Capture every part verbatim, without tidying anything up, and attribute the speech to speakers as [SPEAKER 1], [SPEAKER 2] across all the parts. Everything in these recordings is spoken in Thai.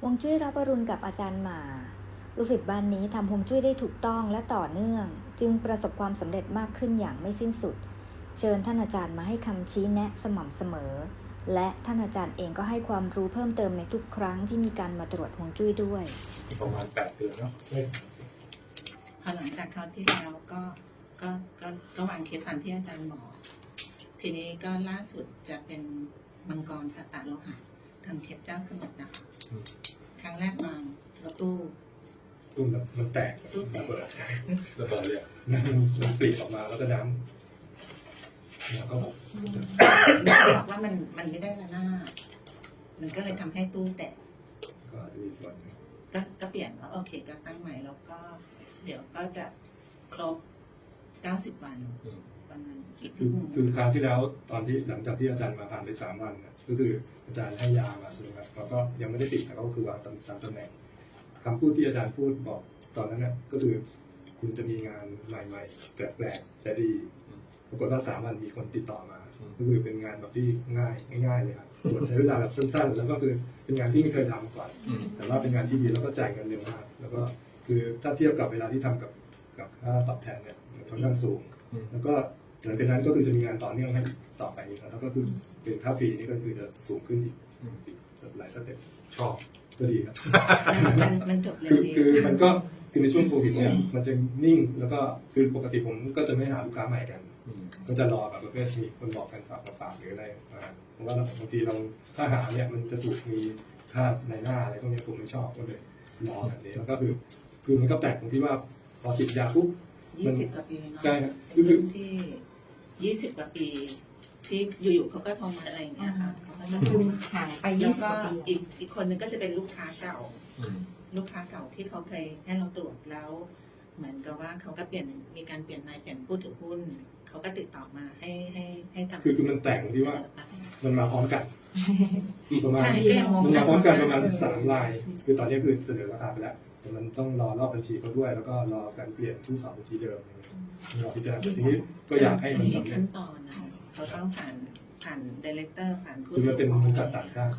[SPEAKER 1] ฮวงจุ้ยรับอรุณกับอาจารย์หมาลูกศิษย์บ้านนี้ทำฮวงจุ้ยได้ถูกต้องและต่อเนื่องจึงประสบความสำเร็จมากขึ้นอย่างไม่สิ้นสุดเชิญท่านอาจารย์มาให้คำชี้แนะสม่ำเสมอและท่านอาจารย์เองก็ให้ความรู้เพิ่มเติมในทุกครั้งที่มีการมาตรวจฮวงจุ้ยด้วย
[SPEAKER 2] ประมาณแปดเดือนเนาะ
[SPEAKER 3] พอหลังจากคราวที่แล้วก็ก็ก็ก็วางเคสทันที่อาจารย์บอกทีนี้ก็ล่าสุดจะเป็นมังกรสัตตโลหะทางเทพเจ้าสมุทรนะคะครั้งแรกวางรถตู้
[SPEAKER 2] ตู้มันแตก
[SPEAKER 3] ตู้แตก
[SPEAKER 2] ระเบิดระเบิดเลยมันปลีกออกมาแล้วก็น้ำแล้วก็
[SPEAKER 3] บอกว่ามันมันไม่ได้ละหน้ามันก็เลยทำให้ตู้แตก
[SPEAKER 2] ก็มีส่วน
[SPEAKER 3] ก็ก็เปลี่ยนว่าโอเคก็ตั้งใหม่แล้วก็เดี๋ยวก็จะครบเก้าสิบวันวันนั้น
[SPEAKER 2] คือคือคราวที่แล้วตอนที่หลังจากที่อาจารย์มาผ่านไปสามวันก็คืออาจารย์ให้ยามาใช่ไหมครับเราก็ยังไม่ได้ติดแต่ก็คือวางตามตำแหน่งคำพูดที่อาจารย์พูดบอกตอนนั้นน่ะก็คือคุณจะมีงานใหม่ๆแปลกๆแต่ดีปรากฏว่าสามวันมีคนติดต่อมาก็คือเป็นงานแบบที่ง่ายง่ายๆเลยครับใช้เวลาแบบสั้นๆแล้วก็คือเป็นงานที่ไม่เคยทำมาก่อนแต่ว่าเป็นงานที่ดีแล้วก็จ่ายเงินเร็วมากแล้วก็คือถ้าเทียบกับเวลาที่ทำกับกับค่าตอบแทนเนี่ยค่อนข้างสูงแล้วก็หลังจากนั้นก็คือจะมีงานต่อเนื่องให้ต่อไปอีกแล้วก็คือเป็นค่าฟรีนี่ก็คือจะสูงขึ้นอีกหลายสเต็ปชอบก็ดีครับ
[SPEAKER 3] มันจบเร็
[SPEAKER 2] วดีคือมันก็คือในช่วงโควิดเนี่ยมันจะนิ่งแล้วก็คือปกติผมก็จะไม่หาลูกค้าใหม่กันก็จะรอแบบประเภทมีคนบอกกันฝากปากหรืออะไรเพราะว่าบางทีเราถ้าหาเนี่ยมันจะถูกมีค่าในหน้าอะไรพวกนี้ผมไม่ชอบก็เลยรอแบบนี้แล้วก็คือคือมันก็แปลกตรงที่ว่าพอติดยาปุ๊บ
[SPEAKER 3] ยี่สิบกว่าปีเนาะ
[SPEAKER 2] ใช่ครับ
[SPEAKER 3] คือที่ยี่สิบกว่าปีที่อยู่ๆเขาก็โทรมาอะไรอย่างเงี้ยค่ะ
[SPEAKER 4] คือหายไป
[SPEAKER 3] แล้วก็อีกอีกคนนึงก็จะเป็นลูกค้าเก่าลูกค้าเก่าที่เขาเคยให้เราตรวจแล้วเหมือนกับว่าเขาก็เปลี่ยนมีการเปลี่ยนนายเปลี่ยนผู้ถือหุ้นเขาก็ติดต่อมาให้ให้ให้ทำ
[SPEAKER 2] คือคือมันแต่งที่ว่ามันมาพร้อมกันประมาณมันมาพร้อมกันประมาณสามรายคือตอนนี้คือเสนอราคาไปแล้วแต่มันต้องรอรอบบัญชีเขาด้วยแล้วก็รอการเปลี่ยนผู้สอบบัญชีเดิมรอพิจารณาทีนี้ก็อยากให้มันสำเร็จ
[SPEAKER 3] ขั้นตอนนะเขาต้องผ่านผ่านดีเลกเตอร์ผ่านผู้
[SPEAKER 2] คือมันเป็นบริษัทต่างชาติ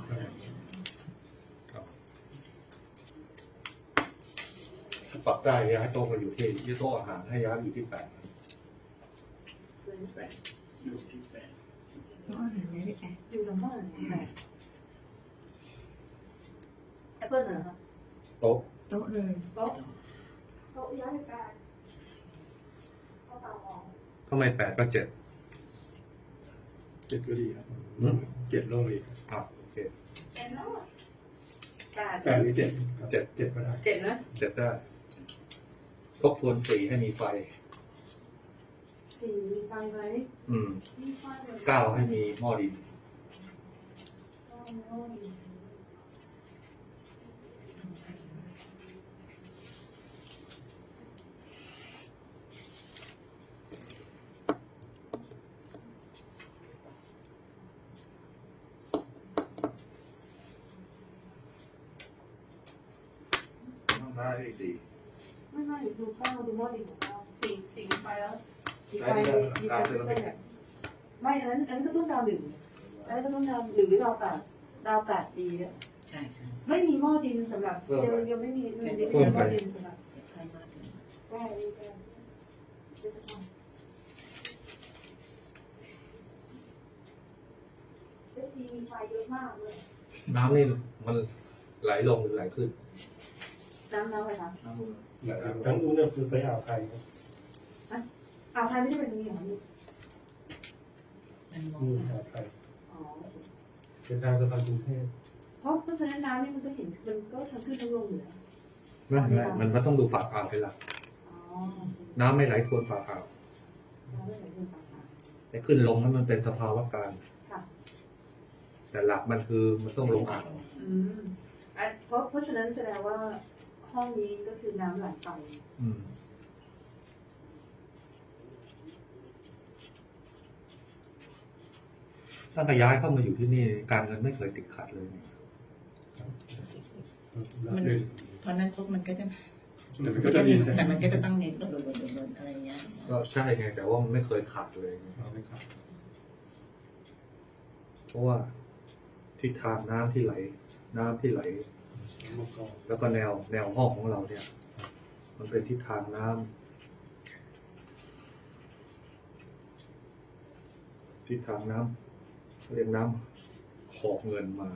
[SPEAKER 5] ปรับได้ย้ายโต๊ะมาอยู่ที่ที่โต๊ะอาหารให้ย้ายอยู่ที่แปด
[SPEAKER 4] แปดอยู่ที่แปดโต๊ะอาหารไม่ได้แปดอยู่ตรงโต๊ะอาหารแปดแอปเปิลเหรอครับ
[SPEAKER 5] โต๊ะ
[SPEAKER 4] โต๊ะเลย
[SPEAKER 6] โต๊ะโต๊ะย้ายไปแปดเอาเตาออก
[SPEAKER 5] ทำไมแปดก็เจ็ด
[SPEAKER 2] เจ็ดก็ดีครับเจ็ดโล่งอีก
[SPEAKER 5] ครับโอเค
[SPEAKER 6] เจ็ดแล้ว
[SPEAKER 2] แปดแปดหรือเจ็ดเจ็ดเจ็ดก็ได้
[SPEAKER 4] เจ็ดนะ
[SPEAKER 5] เจ็ดได้ทบทวนสีให้มีไฟ
[SPEAKER 6] สี่มีไฟไหม
[SPEAKER 5] อืมเก้าให้มีหม้อดินได้สี่
[SPEAKER 6] ไม่ไม่ดูเก้าดูหม้อดินของเก้าสี่สี่ไปแล้วมีไฟมีไฟไม่ใช่ไม่อันนั้นอันนั้นก็ต้องดาวหนึ่งอันนั้นก็ต้องดาวหนึ่งหรือดาวแปดดาวแปดดีเนี่ย
[SPEAKER 3] ใช่ใช่
[SPEAKER 6] ไม่มีหม้อดินสำหรับยังยังไม่มียังไม่มีหม้อดินสำหรับได้ได้ได้เอฟซีมีไฟเยอะมากเลย
[SPEAKER 5] น้ำนี่มันไหลลงหรือไหลขึ้น
[SPEAKER 6] น้ำน้ำอะไรคะ
[SPEAKER 2] น้ำมูลน้ำมูลเนี่ยคือไปอ่าวไทยครับ
[SPEAKER 6] อ่าวไทยไม่ได้เป็นนี้หรอนี่
[SPEAKER 2] อ่าวไทยอ๋อเป็นทางสะพานกรุงเทพ
[SPEAKER 6] เพราะเพราะฉะนั้นน้ำนี่มันก็เห็นมันก็ทั้งขึ้นทั้งลงอยู่แล้ว
[SPEAKER 5] ไม่ไม่มันมันต้องดูฝากอ่าวเป็นหลักน้ำไม่ไหลทวนฝากอ่าวแต่ขึ้นลงนั้นมันเป็นสภาวะการแต่หลักมันคือมันต้องลงอ่าว
[SPEAKER 6] เพราะเพราะฉะนั้นแสดงว่าห้องนี้ก็คือน้ำไหลไป
[SPEAKER 5] ถ้าขยายเข้ามาอยู่ที่นี่การเงินไม่เคยติดขัดเลย
[SPEAKER 3] มันเพราะนั้นปุ๊บมันก็จะมันก็จะมีแต่มันก็จะต้องเน้นโดนๆๆอะไรเงี้ย
[SPEAKER 5] ก็ใช่ไงแต่ว่ามันไม่เคยขาดเลย
[SPEAKER 2] ไม่ขาด
[SPEAKER 5] เพราะว่าทิศทางน้ำที่ไหลน้ำที่ไหล
[SPEAKER 2] มังกร
[SPEAKER 5] แล้วก็แนวแนวห้องของเราเนี่ย มันเป็นทิศทางน้ำทิศทางน้ำเรียกน้ำหอบเงินมา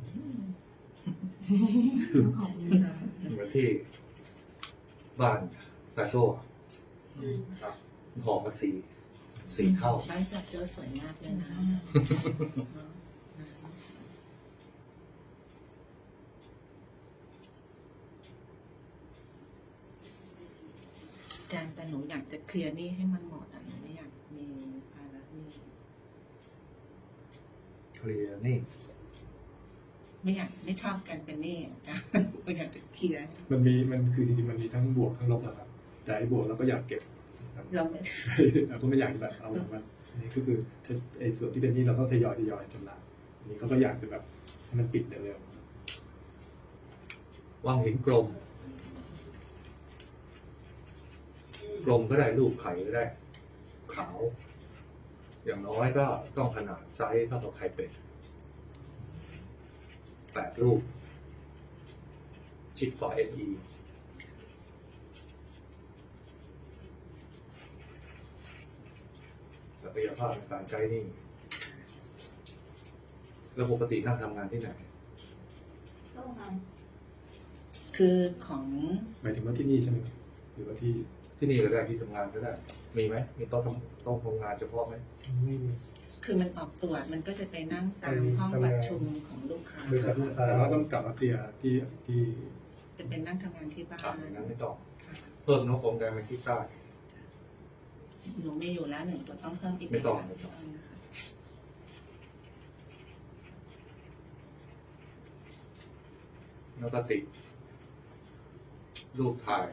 [SPEAKER 5] เหมือนที่บ้านซาโซ่หอบมาสี่สี่เท่า
[SPEAKER 3] บ้านสัตว์เจอสวยมากเลยนะอาจารย์แต่หนูอยากจะเคลียร์หนี้ให้มันหมดอ่ะหนูไม่อยากมีภาระหนี้
[SPEAKER 5] เคลียร์นี่
[SPEAKER 3] ไม่อยากไม่ชอบกันเป็นหนี้อาจารย์ไม่อยากจะเคลียร์
[SPEAKER 2] มันมีมันคือจริงๆมันมีทั้งบวกทั้งลบอะครับแต่ไอ้บวกเราก็อยากเก็บครับ
[SPEAKER 3] เราไม่
[SPEAKER 2] เราก็ไม่อยากแบบเอาแบบอันนี้ก็คือไอ้ส่วนที่เป็นหนี้เราต้องทยอยทยอยชำระอันนี้เขาก็อยากจะแบบให้มันปิดเร็ว
[SPEAKER 5] วางหินกลม กลมก็ได้รูปไข่ก็ได้ ขาว อย่างน้อยก็ต้องขนาดไซส์เท่ากับไข่เป็ดแปดรูป ชิดฝา เอ็น อี ศักยภาพในการใช้นี่ แล้วปกตินั่งทำงานที่ไหน
[SPEAKER 6] ต้องท
[SPEAKER 3] คือของ
[SPEAKER 2] ๆหมายถึงว่าที่นี่ใช่ไหมครับหรือว่าที่
[SPEAKER 5] ที่นี่ก็ได้ที่ทำงานก็ได้ มีไหมมีโต๊ะทำโต๊ะทำงานเฉพาะไหม
[SPEAKER 2] ไม่มี
[SPEAKER 3] คือมันออกตรวจมันก็จะไปนั่งตามห้องประชุมของลูกค้า
[SPEAKER 2] บริษัทแต่ว่าต้องกลับมาเคลียร์ที่ที่
[SPEAKER 3] จะเป็นนั่งทำงานที่บ้า
[SPEAKER 5] อ่ะ
[SPEAKER 3] น
[SPEAKER 5] อย่างนั้นไม่ต้อง เพิ่มนกองแดงไปที่ใต้
[SPEAKER 3] หนูมีอยู่แล้วหนึ่งตัวต้องเพิ่มอีก
[SPEAKER 5] ไม่ต้องไม่ต้อง แล้วก็ติดรูปถ่าย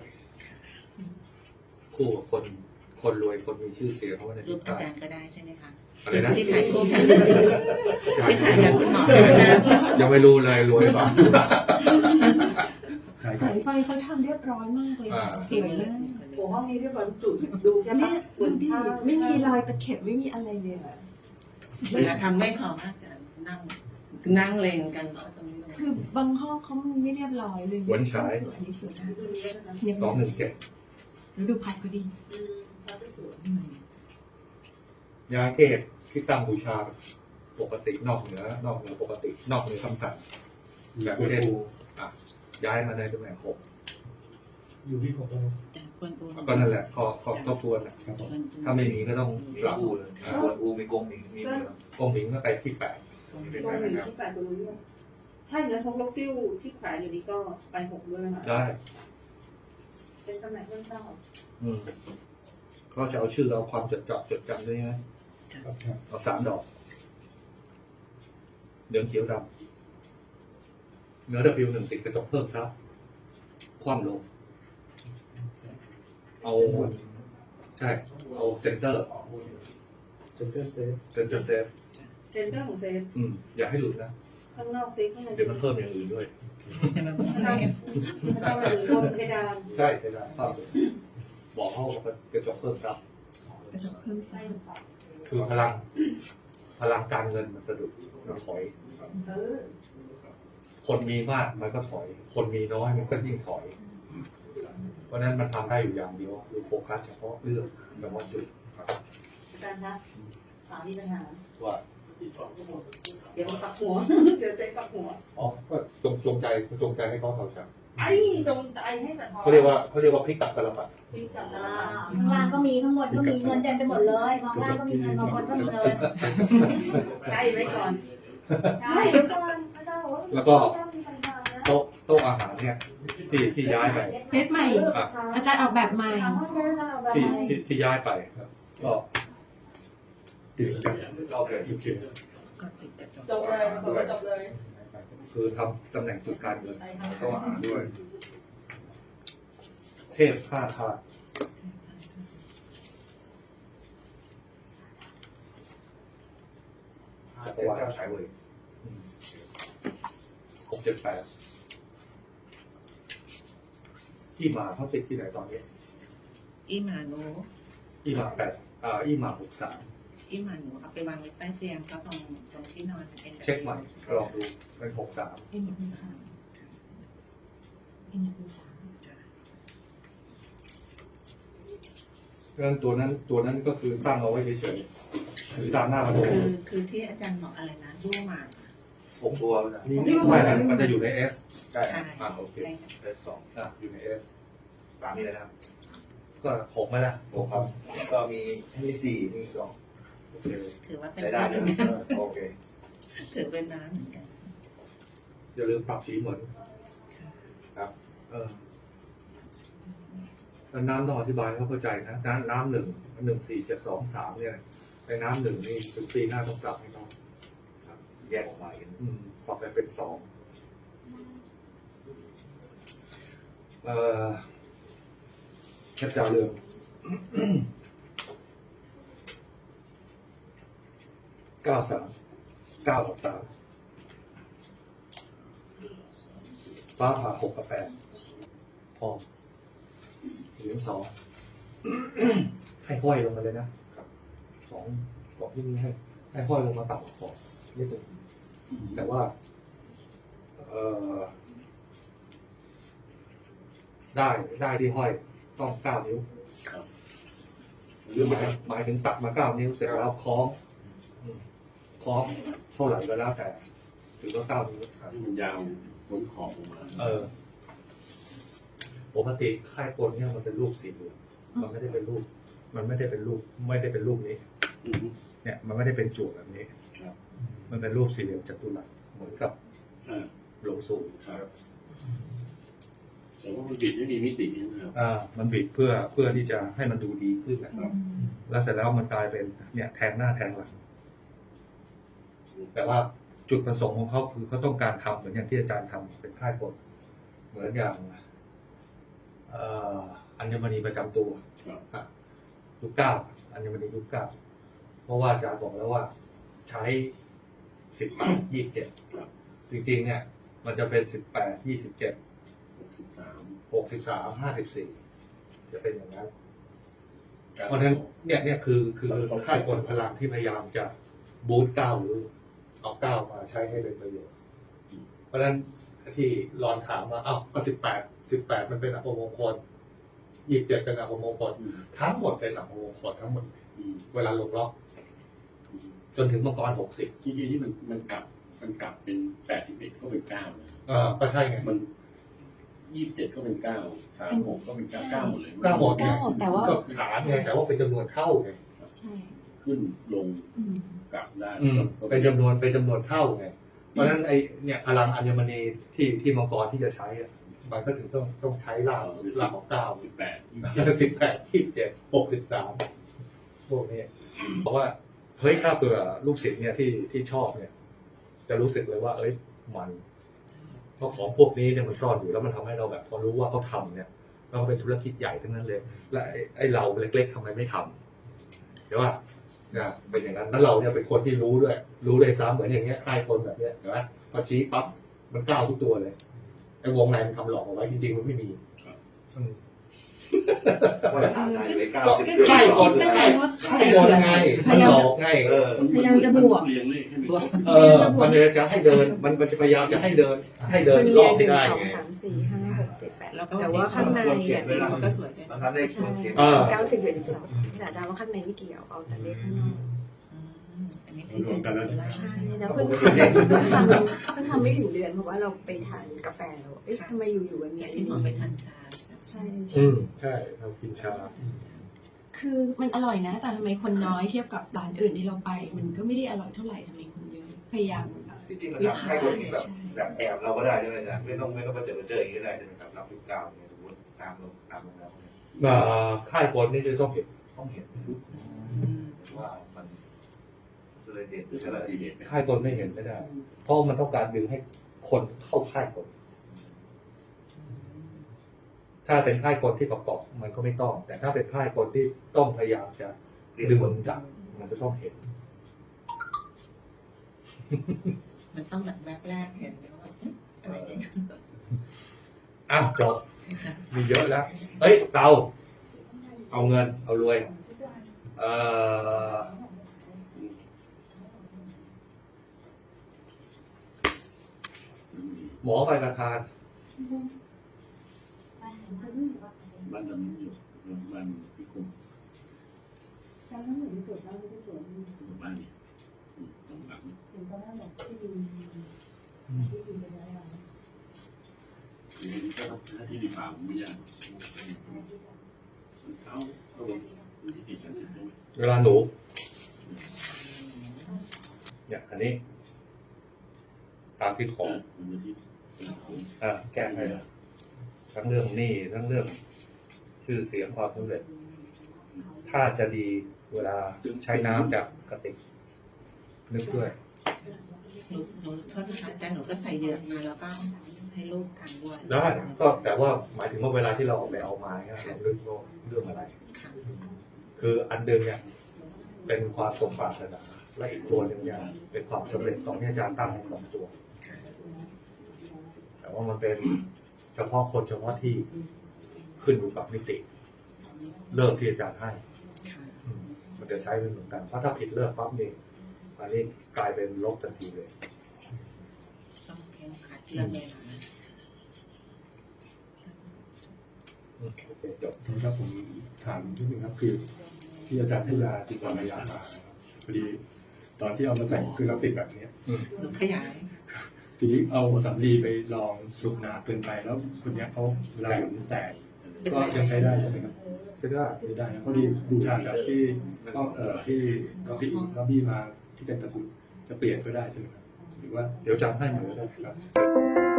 [SPEAKER 5] คู่กับคนคนรวยคนมีชื่อเสียงเขาไว้ใน
[SPEAKER 3] รู
[SPEAKER 5] ที่
[SPEAKER 3] ปอา
[SPEAKER 5] ใต้
[SPEAKER 3] จารย์ก็ได้ใช่ไหมคะ
[SPEAKER 5] อะไรนะ
[SPEAKER 3] ที่ถ่ายรูปที่ถ่ายกับคุณหมอนะ
[SPEAKER 5] ยังไม่รู้เลยรวยเปล่า
[SPEAKER 2] ใช่ค
[SPEAKER 7] สา
[SPEAKER 2] รับ
[SPEAKER 7] ยไฟเขาทำเรียบร้อยมากเลย
[SPEAKER 5] อ่า
[SPEAKER 7] สวยมาก
[SPEAKER 6] ำหัวห้องนี้เรียบร้อยจุดดูแค่
[SPEAKER 7] ไม่
[SPEAKER 6] ปะเหมือนที่
[SPEAKER 7] ไม่มีรอยตะเข็บไม่มีอะไรเลยอะ
[SPEAKER 3] เวลาทำไม่ขอมากจะนั่งนั่งเลงกันเพราะตรงนี้
[SPEAKER 7] คือบางห้องเขาไม่เรียบร้อยเลย
[SPEAKER 5] หวนฉาย
[SPEAKER 7] สวยอันนี้สวยมาก
[SPEAKER 6] ดูนี้นะ
[SPEAKER 7] เนี่ย
[SPEAKER 5] สองหนึ่งเจ็ด
[SPEAKER 7] แล้วดูพัดก็ดี
[SPEAKER 6] อืมเขาจะสวย
[SPEAKER 5] ยาเกตที่ตั้งบูชาปกตินอกเหนือนอกเหนือปกติ นอกเหนือคำสั่ง
[SPEAKER 2] มี
[SPEAKER 5] แบบ
[SPEAKER 2] ส่วน
[SPEAKER 5] เช่น
[SPEAKER 2] ปู
[SPEAKER 5] อ่ะย้ายมาในตำแหน่งหก
[SPEAKER 2] อยู่ที่ผมแล้ว
[SPEAKER 3] จากควรอู
[SPEAKER 5] ก็นั่นแหละข้อข้อทบทวนแหละ
[SPEAKER 2] ครับผม
[SPEAKER 5] ถ้าไม่มีก็ต้องปรับ
[SPEAKER 8] อูเลยกวนอูมีกงมีมีหมดแล้ว
[SPEAKER 5] กองหญิงก็ไปที่แปด
[SPEAKER 6] ตรงหนึ่งที่แปดตัวนี้ถ้าอย่างนั้นทงล็อกซิ่วที่แขวนอยู่นี้ก็ไปหกด้วยนะคะ
[SPEAKER 5] ได้
[SPEAKER 6] เป็นตำแหน่งเรื่องเก้า
[SPEAKER 5] อืมก็จะเอาชื่อเอาความจดจำจดจำด้วยนะ
[SPEAKER 2] ครับ
[SPEAKER 5] เอาสามดอกเหลืองเขียวดำเนื้อ W หนึ่งติดกระจกเพิ่มซับคว่ำลง เอาใช่ เอาเซนเตอร์
[SPEAKER 2] เซนเตอร์เซฟ
[SPEAKER 5] เซนเตอร์เซฟ
[SPEAKER 6] เซนเตอร์ของเซฟ
[SPEAKER 5] อืมอย่าให้หลุดนะ
[SPEAKER 6] ข้างนอกเซฟข้างใน
[SPEAKER 5] เดี๋ยวมันเพิ่มอย่างอื่นด้วย
[SPEAKER 6] ข้างนอกข้างในบนเพดาน
[SPEAKER 5] ใช่ใช่ได้ภาพเลยบอกเขาว่ากระจกเพิ่มซับ
[SPEAKER 7] กระจกเพิ่มไซส์
[SPEAKER 5] คือพลัง พลังการเงินมันสะดุดมันถอย
[SPEAKER 6] เออ
[SPEAKER 5] คนมีมากมันก็ถอย คนมีน้อยมันก็ยิ่งถอย เพราะฉะนั้นมันทำได้อยู่อย่างเดียวคือโฟกัสเฉพาะเรื่องเฉพาะจุด
[SPEAKER 6] อาจารย์คะสามีปัญหา
[SPEAKER 5] ว่า
[SPEAKER 6] เดี๋ยวมันปักหัว เดี๋ยวเซฟปักหัว
[SPEAKER 5] อ๋อก็จงจงใจจงใจให้เขาเท่าฉัน
[SPEAKER 6] ไอ้จงใจให้สะท้อน
[SPEAKER 5] เขาเรียกว่าเขาเรียกว่าพลิกกลับตลปัด
[SPEAKER 6] พิกับสารา
[SPEAKER 1] ข้างล่างก็มีข้างบนก็มีเงินเต็มไปหมดเลยมองล่างก็มีเงินมองบนก็มีเงิน
[SPEAKER 6] ใช่ไว้ก่อน
[SPEAKER 1] ใช่เดี๋ยวก่อนอาจารย์บอกว่า
[SPEAKER 5] แล้วก็
[SPEAKER 1] ชอบมีปัญหานะ
[SPEAKER 5] โต๊ะโต๊ะอาหารเนี่ยที่ที่ย้ายไป
[SPEAKER 7] เพชรใหม่ อาจารย์ออกแบบใหม่
[SPEAKER 1] ถามว่าอาจารย์เอาแบบ
[SPEAKER 5] ที่
[SPEAKER 1] ไหน
[SPEAKER 5] ที่ที่ย้ายไปก็
[SPEAKER 2] ติดกับ
[SPEAKER 8] รอบเลย
[SPEAKER 2] โอเค
[SPEAKER 3] ก็ติดกระจก
[SPEAKER 6] จบเลยจบเลยจบเลย
[SPEAKER 5] คือทำตำแหน่งจุดการเงินโต๊ะอาหารด้วย เทพห้าธาตุจักรวาล
[SPEAKER 8] เจ้าชายเวย
[SPEAKER 5] หกเจ็ดแปดที่มาเขาติดที่ไหนตอนนี้
[SPEAKER 3] อีหมาหนู
[SPEAKER 5] อีมาแปดอ่าอีมาหกสาม
[SPEAKER 3] อีหมาหนูเอาไปวางไว้ใต้เตียงก็ตรงตรงที่นอนเป็น
[SPEAKER 5] เช็คใหม่ลองดูเป็นหกสาม
[SPEAKER 7] เอ็มสาม
[SPEAKER 5] พ
[SPEAKER 7] เป็นอย่างเป็นสาม
[SPEAKER 5] เพราะฉะนั้นตัวนั้นตัวนั้นก็คือตั้งเอาไว้เฉยๆหรือตามหน้าประตู
[SPEAKER 3] คือคือที่อาจารย์บอกอะไรนะยั่วหมาก
[SPEAKER 8] หกตัวนะ
[SPEAKER 5] นี่ไม่นะมันจะอยู่ใน S
[SPEAKER 8] ใช่
[SPEAKER 3] ใช่
[SPEAKER 5] อ่าโอเค
[SPEAKER 3] ใช่
[SPEAKER 8] เลขสอง
[SPEAKER 5] อ่ะอยู่ใน S
[SPEAKER 8] ตามนี้เลยนะครับ
[SPEAKER 5] ก็หกไหมล่ะ
[SPEAKER 8] หกครับก็มีมีสี่มีสอง
[SPEAKER 5] โอเค
[SPEAKER 3] ถือว่าเป็น
[SPEAKER 8] ใช้ได้
[SPEAKER 3] น้ำเห
[SPEAKER 8] นะ
[SPEAKER 3] มือนกัน
[SPEAKER 8] โอเค
[SPEAKER 3] ถือเป็นน้ำเหมือนกัน
[SPEAKER 5] อย่าลืมปรับสีเหมือน
[SPEAKER 8] ครับ
[SPEAKER 5] เออแล้วน้ำต้องอธิบายให้เขาเข้าใจนะน้ำน้ำหนึ่งหนึ่งสี่เจ็ดสองสามเนี่ยในน้ำหนึ่งนี่ถึงปีหน้าต้องปรับให้เขา
[SPEAKER 8] แยกออกมาอีก
[SPEAKER 5] อืมปรับไปเป็นสองเอ่อแคปจาเรืองเก้าสามเก้ากับสามฟ้าผ่าหกกับแปดพอเหรียญสอง ให้ห้อยลงมาเลยนะสองบอกที่นี่ให้ให้ห้อยลงมาต่ำกว่าขอบนิดนึงแต่ว่า เอ่อได้ได้ที่ห้อยต้องเก้านิ้วหรือหมายหมายถึงตัดมาเก้านิ้วเสร็จแล้วคล้องอืมคล้องเท่าไหร่ก็แล้วแต่ถือว่าเก้านิ้ว
[SPEAKER 9] ที่มันยาวบนขอบออกมา
[SPEAKER 5] เออปกติค่ายกลเนี่ยมันเป็นรูปสี่เหลี่ยมมันไม่ได้เป็นรูป มันไม่ได้เป็นรูป ไม่ได้เป็นรูปนี้
[SPEAKER 9] อืม
[SPEAKER 5] เนี่ย มันไม่ได้เป็นจุดแบบนี้
[SPEAKER 9] ครับ
[SPEAKER 5] มันเป็นรูปสี่เหลี่ยมจัตุรัสเหมือนกับ
[SPEAKER 9] อ่า
[SPEAKER 5] หลวงสู่
[SPEAKER 9] ครับแต่ว่ามันบิดไม่มีมิตินะครับ
[SPEAKER 5] อ่า มันบิดเพื่อเพื่อที่จะให้มันดูดีขึ้นนะครับ แล้วเสร็จแล้วมันกลายเป็นเนี่ยแทงหน้าแทงหลัง แต่ว่าจุดประสงค์ของเขาคือเขาต้องการทำเหมือนอย่างที่อาจารย์ทำเป็นค่ายกลเหมือนอย่างเอ่ออัญมณีประจำตัว
[SPEAKER 9] ครับ
[SPEAKER 5] อ่ะยุคเก้าอัญมณียุคเก้าเพราะว่าอาจารย์บอกแล้วว่าใช้สิบแปดยี่สิบเจ็ด
[SPEAKER 9] ครับ
[SPEAKER 5] จริงๆเนี่ยมันจะเป็นสิบแปดยี่สิบเจ็ด
[SPEAKER 9] หกสิบสาม
[SPEAKER 5] หกสิบสามห้าสิบสี่จะเป็นอย่างนั้น เพราะฉะนั้นเนี่ยเนี่ยคือคือค่ายกลพลังที่พยายามจะบูสต์เก้าหรือเอาเก้ามาใช้ให้เป็นประโยชน์ เพราะฉะนั้นที่รอนถามว่าอ้าวก็สิบแปดสิบแปดมันเป็นอัปมงคลยี่สิบเจ็ดเป็นอัปมงคลทั้งหมดเป็นอัปมงคลทั้งหมด
[SPEAKER 9] อืม
[SPEAKER 5] เวลาลงล็อก
[SPEAKER 9] อืม
[SPEAKER 5] จนถึงมังกรหกสิบ
[SPEAKER 9] จริงๆที่มันมันกลับมันกลับเป็นแปดสิบเอ็ดก็เป็นเก้าเลย
[SPEAKER 5] อ่าก็ใช่ไง
[SPEAKER 9] มันยี่สิบเจ็ดก็เป็นเก้าสามหกก็เป็นเก้าเก้าหมดเลย
[SPEAKER 5] เก้าหมดไง
[SPEAKER 7] เก้าแต่ว่า
[SPEAKER 5] ก็ฐานไงแต่ว่าเป็นจำนวนเท่าไง
[SPEAKER 7] ใช่
[SPEAKER 9] ขึ้นลง
[SPEAKER 7] อืม
[SPEAKER 9] กลับได้
[SPEAKER 5] อืม
[SPEAKER 9] ก็
[SPEAKER 5] เป็นจำนวนเป็นจำนวนเท่าไงเพราะฉะนั้นไอเนี่ยพลังอัญมณีที่ที่มังกรที่จะใช้อะมันก็ถึงต้องต้องใช้ล่างล่างของเก้า
[SPEAKER 9] สิบแปด
[SPEAKER 5] สิบแปดยี่สิบเจ็ดหกสิบสามพวกนี้เพราะว่าเฮ้ยถ้าเผื่อลูกศิษย์เนี่ยที่ที่ชอบเนี่ย จะรู้สึกเลยว่า เอ้ยมันเพราะของพวกนี้เนี่ยมันซ่อนอยู่แล้วมันทำให้เราแบบ พอรู้ว่าเขาทำเนี่ยเราเป็นธุรกิจใหญ่ทั้งนั้นเลย และไอ้ไอ้เราเล็กๆทำไมไม่ทำเดี๋ยวว่าเนี่ยเป็นอย่างนั้นแล้วเราเนี่ยเป็นคนที่รู้ด้วย รู้เลยซ้ำเหมือนอย่างเงี้ยค่ายคนแบบเนี้ยเห็นไหมพอชี้ปั๊บมันก้าวทุกตัวเลยไอ้วงในมันทำหลอกเอาไว้จริงๆมันไม่มีอืม
[SPEAKER 8] ว่าจะหาได้เลยเก้าสิบ
[SPEAKER 5] ค่ายคนค่ายค่ายคนไงมันหลอกไง
[SPEAKER 8] เออ
[SPEAKER 7] พยายามจะบวก
[SPEAKER 9] เรียงเลขให้มัน
[SPEAKER 5] เออ มันจะให้เดิน มันมันจะพยายามจะให้เดิน ให้เดิน
[SPEAKER 7] มัน
[SPEAKER 5] ร
[SPEAKER 7] เรี
[SPEAKER 5] อย บ
[SPEAKER 7] งห
[SPEAKER 5] ให้
[SPEAKER 7] นึ่ง
[SPEAKER 5] ได้
[SPEAKER 7] สอง
[SPEAKER 5] ไง
[SPEAKER 7] สามสี่ห้าหกเจ็ดแปด
[SPEAKER 3] แล้วก็
[SPEAKER 7] แต่ว่าข้างใน
[SPEAKER 3] ควร
[SPEAKER 7] อะ
[SPEAKER 3] เขียนสีมันก็สวยด้วย
[SPEAKER 8] บางครั้งได้คนเขียน
[SPEAKER 5] เออ
[SPEAKER 7] เก้าสิบเอ็ดสิบสองแต่อาจารย์ว่าข้างในไม่เกี่ยวเอาแต่เลขข้างนอก
[SPEAKER 3] อืมอันนี้คือเป็นสุราษฎร์
[SPEAKER 7] ใช่แล้วเพิ่งทำเพิ่งทำเพิ่งทำไม่ถึงเดือนเพราะว่าเราไปทานกาแฟแล้วเอ๊ะทำไมอยู่ๆมันมี
[SPEAKER 3] ที่
[SPEAKER 7] ที่
[SPEAKER 3] หม
[SPEAKER 7] นี่
[SPEAKER 3] อไปทานชา
[SPEAKER 7] ใช่
[SPEAKER 5] อื
[SPEAKER 7] ใช่
[SPEAKER 5] มใช่ เรากินชา
[SPEAKER 7] คือมันอร่อยนะ แต่ทำไมคนน้อยเทียบกับร้านอื่นที่เราไป มันก็ไม่ได้อร่อยเท่าไหร่ทำไมคนเยอะพยายามแบบ
[SPEAKER 8] ที่จริงมันทำให้คนแบบแบบแอบเราก็ได้ใช่ไหมจ๊ะไม่ต้องไม่ต้องมาเจอมาเจออย่างนี้ก็ได้ใช่ไหมครับรับสิบเก้าเนี่ยสมมติตามลงตามลงแล้วเนี่ย
[SPEAKER 5] เอ่อค่ายคนนี่จะต้องเห็น
[SPEAKER 8] ต้องเห็นว่ามันจะเลยเด่นหรือ
[SPEAKER 9] จะ
[SPEAKER 8] อะไร
[SPEAKER 9] ได้เห็นไหม
[SPEAKER 5] ค่ายคนไม่เห็นไม่ได้ เพราะมันต้องการดึงให้คนเข้าค่ายคน ถ้าเป็นค่ายคนที่ประกอบมันก็ไม่ต้อง แต่ถ้าเป็นค่ายคนที่ต้องพยายามจะ
[SPEAKER 8] เรียก
[SPEAKER 5] ดึง
[SPEAKER 8] คน
[SPEAKER 5] จับมันจะต้องเห็น
[SPEAKER 3] มันต้องแบบแบบแรกเห็นว่าอะไรอย่างเงี้ย
[SPEAKER 5] อ้าวจบ มีเยอะแล้ว เฮ้ย เตา เอาเงิน เอารวย เอ่อ หมอไปประทาน
[SPEAKER 9] บ้านดำอยู่บ้านพี่คม
[SPEAKER 6] ตอนนั้นหนูไม่ตรวจบ้านไม่ได้ตรวจ
[SPEAKER 9] อยู่บ้านเนี่ยตรงหลัง
[SPEAKER 6] ถึงตอนนั้นบอกที่ดินที่ดินเป็นอะไร
[SPEAKER 9] ทีนี้ก็ถ้าที่ดีป่าผมไม่ยากมันเข้าก็ลงที่ติดกันใช่ไหม
[SPEAKER 5] เวลาหนูเนี่ยอันนี้ตามที่ขอ
[SPEAKER 9] มันที่
[SPEAKER 5] อ่าแก้ให้ทั้งเรื่องหนี้ทั้งเรื่องชื่อเสียงความสำเร็จ ถ้าจะดีเวลาใช้น้ำจากกระติกนึกด้วย
[SPEAKER 3] หนูหนูโทษนะคะอาจารย์หนูก็ใส่เหยือกมาแล้วก็ให้ลูกทานด้วย
[SPEAKER 5] ได้ก็แต่ว่าหมายถึงว่าเวลาที่เราออกไปเอามาเนี่ยเรานึกว่าเรื่องอะไร
[SPEAKER 3] ค่ะ
[SPEAKER 5] คืออันเดิมเนี่ยเป็นความสมปรารถนาและอีกตัวหนึ่งเนี่ยเป็นความสำเร็จของที่อาจารย์ตั้งให้สองตัว แต่ว่ามันเป็นเฉพาะคนเฉพาะที่ขึ้นอยู่กับมิติเริ่มที่อาจารย์ให้
[SPEAKER 3] ค่ะ
[SPEAKER 5] อืมมันจะใช้เป็นเหมือนกันเพราะถ้าผิดเลิกปั๊บนี่อันนี้กลายเป็นลบทันทีเลย
[SPEAKER 3] ต้องเพียงขัดเรื่องเวลา
[SPEAKER 5] อืมโอเคจบ
[SPEAKER 2] ทีนี้ครับผมถามนิดนึงครับคือที่อาจารย์ให้ยาติดต่อระยะมานะครับพอดีตอนที่เอามาใส่คือเราติดแบบเนี้ย
[SPEAKER 3] หนูขยาย
[SPEAKER 2] ทีนี้เอาสำลีไปลองสูบหนาเกินไปแล้วคนเนี้ยเขาเวลาหยุดแตกก็ยังใช้ได้ใช่ไหมครับ
[SPEAKER 5] ใช่ได้
[SPEAKER 2] ใช้ได้นะพอดีบูชาจากที่ต้องเอ่อที่ก็พี่ก็พี่มาที่เป็นตะกรุดจะเปลี่ยนก็ได้ใช่ไหมครับหรือว่า
[SPEAKER 5] เดี๋ยวอาจารย์ให้เหมือนกัน
[SPEAKER 2] ครับ